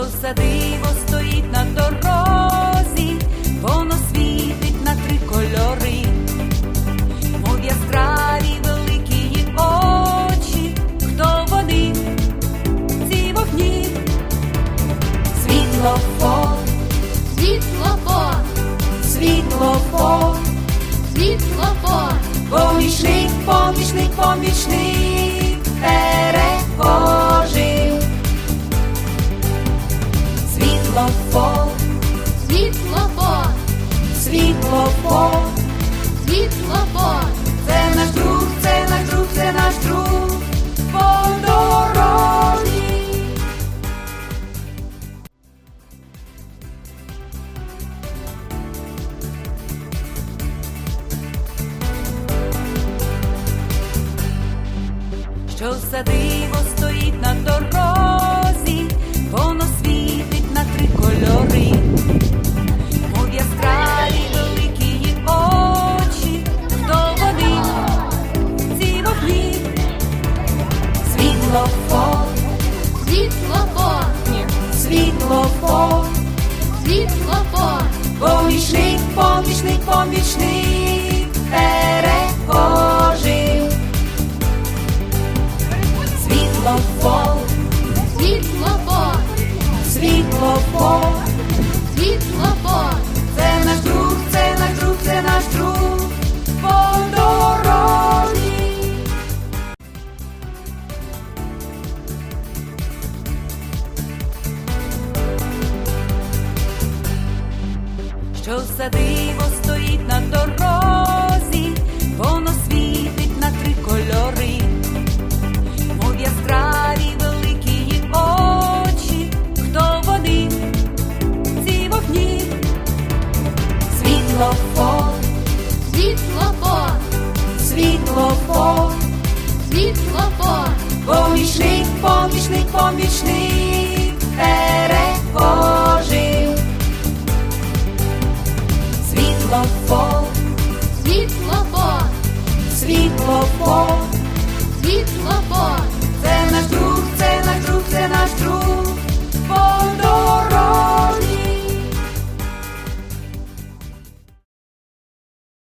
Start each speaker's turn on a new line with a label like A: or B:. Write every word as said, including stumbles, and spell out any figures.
A: все диво стоїть на дорозі, воно світить на три кольори, мов яскраві великі її очі. Хто вони, ці вогні? Світлофор,
B: Світлофор,
A: світлофор,
B: світлофор,
A: помічник, помічник, помічник перехожим. Світлофор,
B: світлофор,
A: світлофор,
B: світлофор,
A: це наш друг, це наш друг, це наш друг по дорозі. Що все диво стоїть на дорозі, воно світить на три кольори, мов яскраві великі її очі. Хто вони, ці вогні? Світлофор,
B: світлофор,
A: світлофор,
B: світлофор,
A: помічник, помічник, помічник перехожим. Світлофор,
B: світлофор,
A: світлофор,
B: світлофор,
A: це наш друг, це наш друг, це наш друг по дорозі. Що все диво стоїть на дорозі, воно світить на три кольори, мов яскраві великі її очі. Хто вони, ці вогні? Світлофор,
B: світлофор,
A: світлофор,
B: світлофор,
A: помічник,